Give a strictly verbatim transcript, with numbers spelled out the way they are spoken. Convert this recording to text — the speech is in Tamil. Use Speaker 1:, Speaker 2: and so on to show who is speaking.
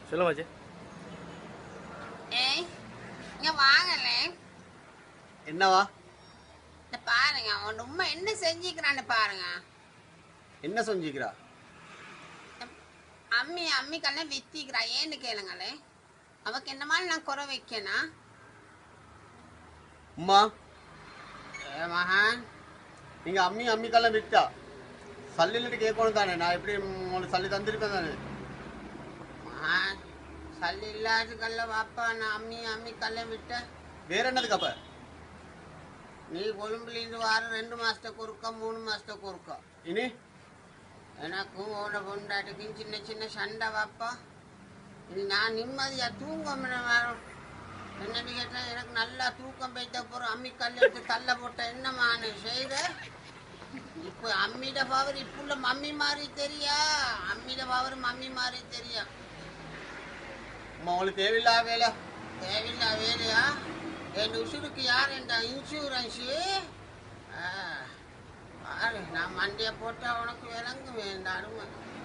Speaker 1: சொல்லுங்க மச்சி.
Speaker 2: ஏய் இங்க வாங்கலே.
Speaker 3: என்னவா?
Speaker 2: இந்த பாருங்க அவன் உண்மை என்ன செஞ்சுக்கிறான்னு பாருங்க.
Speaker 3: என்ன செஞ்சுக்கிறா?
Speaker 2: அம்மி அம்மி கல்ல வித்திக்கிறா. ஏன்னு கேளுங்களே. அவக்கு என்ன மாதிரி நான் குறை வைக்கணும்.
Speaker 3: அம்மா
Speaker 2: ஏ மகான்,
Speaker 3: நீங்க அம்மி அம்மி கல்ல விட்டா சல்லிட்டு கேட்கணும் தானே? நான் எப்படி உங்களுக்கு சல்லி தந்திருப்பேன் தானே?
Speaker 2: மகான் சல்லி இல்லாத கல்ல வாப்பா நான் அம்மி அம்மி கல்ல விட்டேன்.
Speaker 3: வேற என்னதுக்கு அப்ப?
Speaker 2: நீ கொழும்புலேருந்து வார ரெண்டு மாசத்துக்கு ஒருக்கா மூணு மாசத்துக்கு ஒருக்கா
Speaker 3: இனி
Speaker 2: எனக்கும் ஓட பொண்டாட்டுக்கும் சின்ன சின்ன சண்டை வாப்பா. இது நான் நிம்மதியா தூங்க வரும். என்னன்னு கேட்டா எனக்கு நல்லா தூக்கம் போய்த்த போறோம். அம்மி கல் எடுத்து தள்ள போட்ட என்னமா செய்த. இப்போ அம்மிட பவர் இப்புள்ள மம்மி மாதிரி தெரியா. அம்மிட பவர் மம்மி மாதிரி தெரியா.
Speaker 3: அம்மா உங்களுக்கு தேவையில்லா வேலை.
Speaker 2: தேவையில்லா வேலையா? என் உசுருக்கு யார் என்ற இன்சூரன்ஸு? பாரு நான் மண்டியை போட்டா உனக்கு விளங்கு வேண்டாம்.